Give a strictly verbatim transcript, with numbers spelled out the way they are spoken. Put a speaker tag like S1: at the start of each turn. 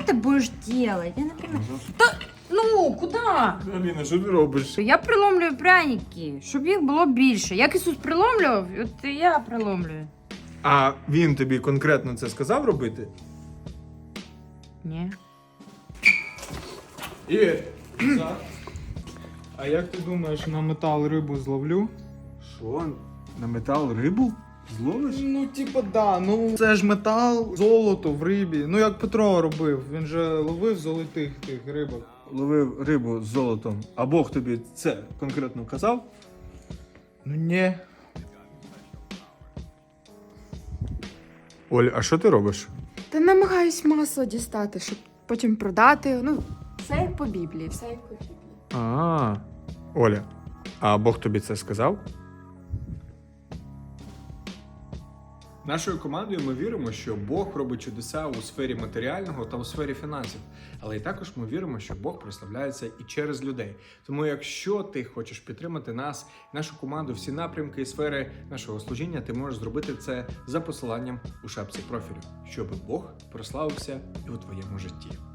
S1: ты будешь делать? Я, например... Та... Ну, куди?
S2: Аліна, що ти робиш?
S1: Я приломлюю пряники, щоб їх було більше. Як Ісус приломлював, от і я приломлюю.
S2: А він тобі конкретно це сказав робити?
S1: Ні.
S2: Ігор, а як ти думаєш, на метал рибу зловлю?
S3: Що? На метал рибу? Зловиш?
S2: Ну, типа, да, ну це ж метал, золото в рибі. Ну як Петро робив, він же ловив золотих тих рибок.
S3: Ловив рибу з золотом. А Бог тобі це конкретно казав?
S2: Ну ні. Оль, а що ти робиш?
S4: Та намагаюсь масло дістати, щоб потім продати. Ну, все як по Біблії, все як по Біблії.
S2: А, Оля, а Бог тобі це сказав? Нашою командою ми віримо, що Бог робить чудеса у сфері матеріального та у сфері фінансів. Але і також ми віримо, що Бог прославляється і через людей. Тому якщо ти хочеш підтримати нас, нашу команду, всі напрямки і сфери нашого служіння, ти можеш зробити це за посиланням у шапці профілю, щоб Бог прославився і у твоєму житті.